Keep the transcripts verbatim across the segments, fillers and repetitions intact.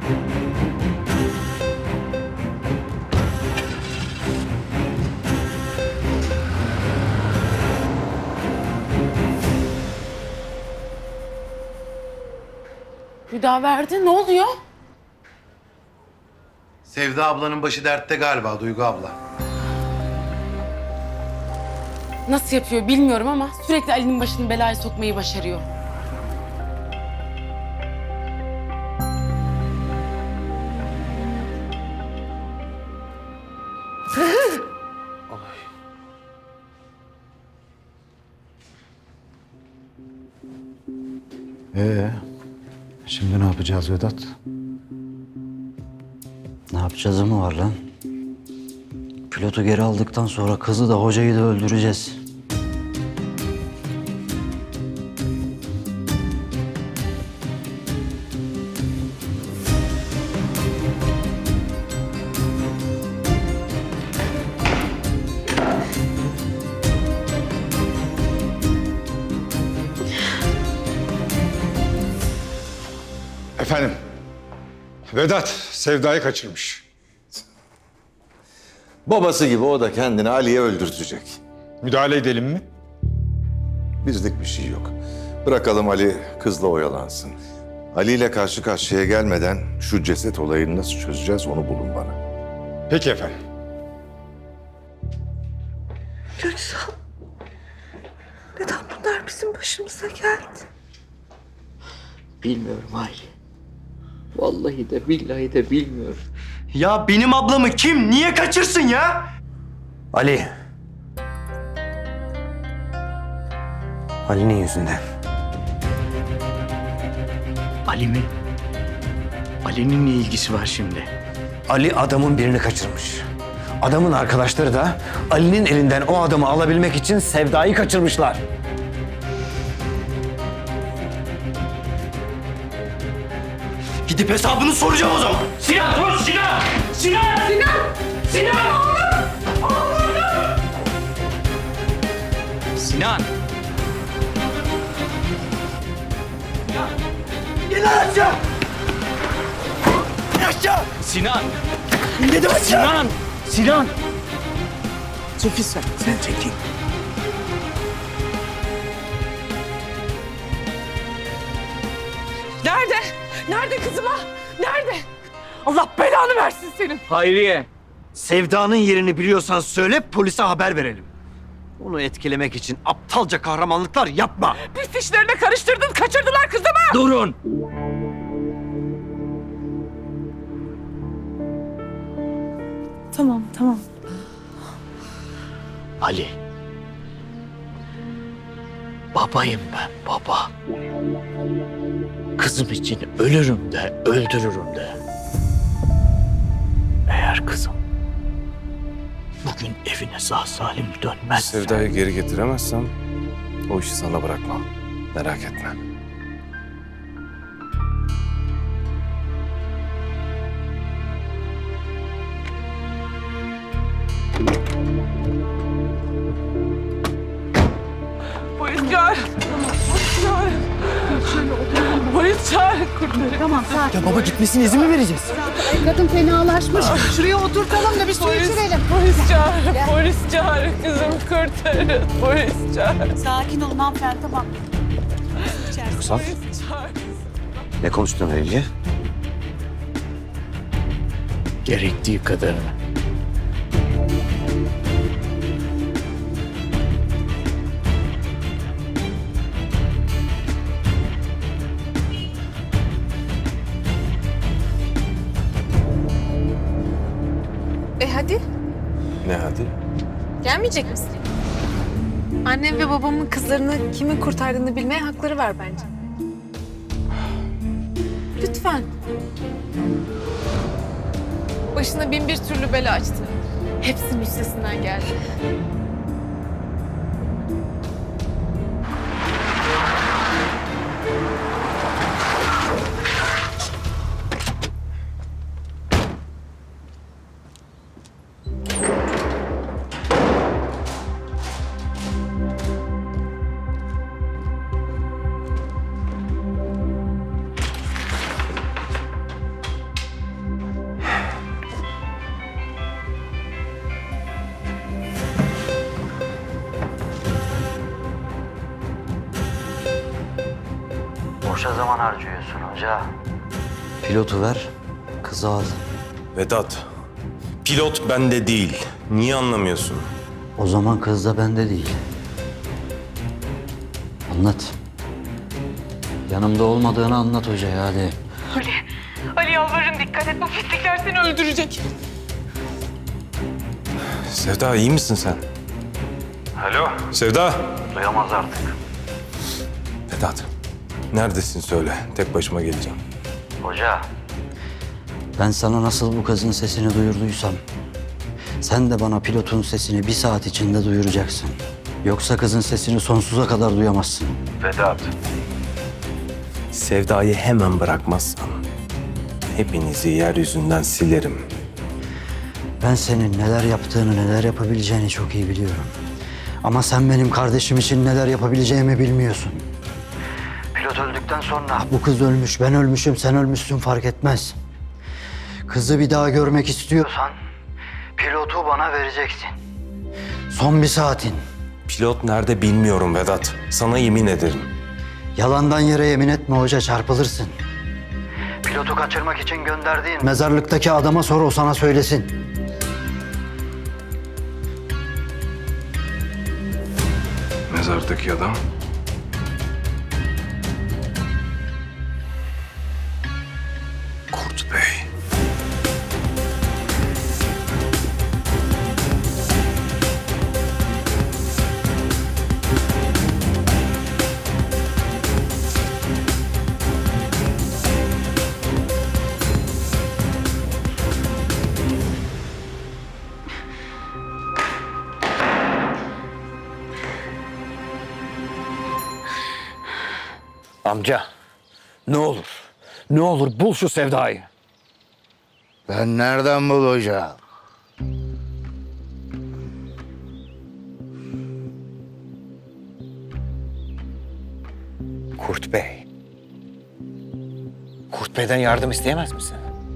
Hüdaverdi, ne oluyor? Sevda ablanın başı dertte galiba Duygu abla. Nasıl yapıyor bilmiyorum ama sürekli Ali'nin başını belaya sokmayı başarıyor. Ee, şimdi ne yapacağız Vedat? Ne yapacağız mı var lan? Pilotu geri aldıktan sonra kızı da hocayı da öldüreceğiz. Efendim, Vedat Sevda'yı kaçırmış. Babası gibi o da kendini Ali'ye öldürtecek. Müdahale edelim mi? Bizlik bir şey yok. Bırakalım Ali kızla oyalansın. Ali ile karşı karşıya gelmeden şu ceset olayını nasıl çözeceğiz onu bulun bana. Peki efendim. Köksal, neden bunlar bizim başımıza geldi? Bilmiyorum Hayri. Vallahi de billahi de bilmiyorum. Ya benim ablamı kim niye kaçırsın ya? Ali. Ali'nin yüzünden. Ali mi? Ali'nin ne ilgisi var şimdi? Ali adamın birini kaçırmış. Adamın arkadaşları da Ali'nin elinden o adamı alabilmek için Sevda'yı kaçırmışlar. Gidip hesabını soracağım o zaman. Sinan dur Sinan! Sinan! Sinan! Sinan! Oğlum! Oğlum! Sinan! Sinan! Gel lan aşağı! İn aşağı! Sinan! Dedim aşağı! Sinan! Sinan! Çekil sen, sen çekil. Nerede? Nerede kızıma? Nerede? Allah belanı versin senin. Hayriye! Sevda'nın yerini biliyorsan söyle, polise haber verelim. Onu etkilemek için aptalca kahramanlıklar yapma. Pis işlerine karıştırdın, kaçırdılar kızımı. Durun! Tamam, tamam. Ali. Babayım ben, baba. Kızım için ölürüm de, öldürürüm de. Eğer kızım bugün evine sağ salim dönmezse... Sevda'yı geri getiremezsem o işi sana bırakmam. Merak etme. Polis çağır. Polis çağır. Polis çağır. Kurtarın. Tamam, sakin. Ya baba gitmesine izin mi vereceğiz? Kadın fenalaşmış. Şuraya oturtalım da bir su Polis, içirelim. polis çağır. Polis çağır. Kızım kurtarın. Polis çağır. Sakin olun hanımefendi, tamam. Köksal, Polis çağır. ne konuştun Ali'ye? Gerektiği kadarını. E hadi, Ne hadi? gelmeyecek misin? Annem ve babamın kızlarını kimin kurtardığını bilmeye hakları var bence. Lütfen. Başına bin bir türlü bela açtı. Hepsinin üstesinden geldi. boşa zaman harcıyorsun hoca. Pilotu ver, kızı al. Vedat, pilot bende değil. Niye anlamıyorsun? O zaman kız da bende değil. Anlat. Yanımda olmadığını anlat hocaya hadi. Ali, Ali yalvarırım dikkat et. Bu pislikler seni öldürecek. Sevda iyi misin sen? Alo. Sevda. Duyamaz artık. Vedat, neredesin söyle. Tek başıma geleceğim. Hoca. Ben sana nasıl bu kızın sesini duyurduysam... sen de bana pilotun sesini bir saat içinde duyuracaksın. Yoksa kızın sesini sonsuza kadar duyamazsın. Vedat. Sevda'yı hemen bırakmazsan hepinizi yeryüzünden silerim. Ben senin neler yaptığını, neler yapabileceğini çok iyi biliyorum. Ama sen benim kardeşim için neler yapabileceğimi bilmiyorsun. Pilot öldükten sonra bu kız ölmüş, ben ölmüşüm, sen ölmüşsün fark etmez. Kızı bir daha görmek istiyorsan pilotu bana vereceksin. Son bir saatin. Pilot nerede bilmiyorum Vedat. Sana yemin ederim. Yalandan yere yemin etme hoca, çarpılırsın. Pilotu kaçırmak için gönderdiğin mezarlıktaki adama sor, o sana söylesin. Mezardaki adam. Kurt Bey. Amca, ne olur, ne olur bul şu Sevda'yı. Ben nereden bulacağım? Kurt Bey. Kurt Bey'den yardım isteyemez misin?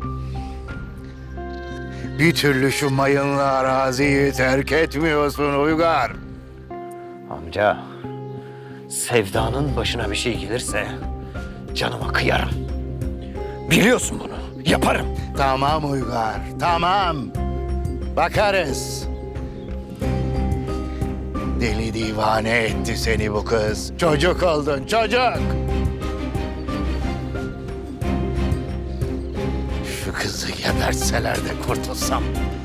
Bir türlü şu mayınlı araziyi terk etmiyorsun Uygar. Amca, Sevda'nın başına bir şey gelirse canıma kıyarım. Biliyorsun bunu, yaparım. Tamam Uygar, tamam. Bakarız. Deli divane etti seni bu kız. Çocuk oldun, çocuk. Şu kızı gebertseler de kurtulsam.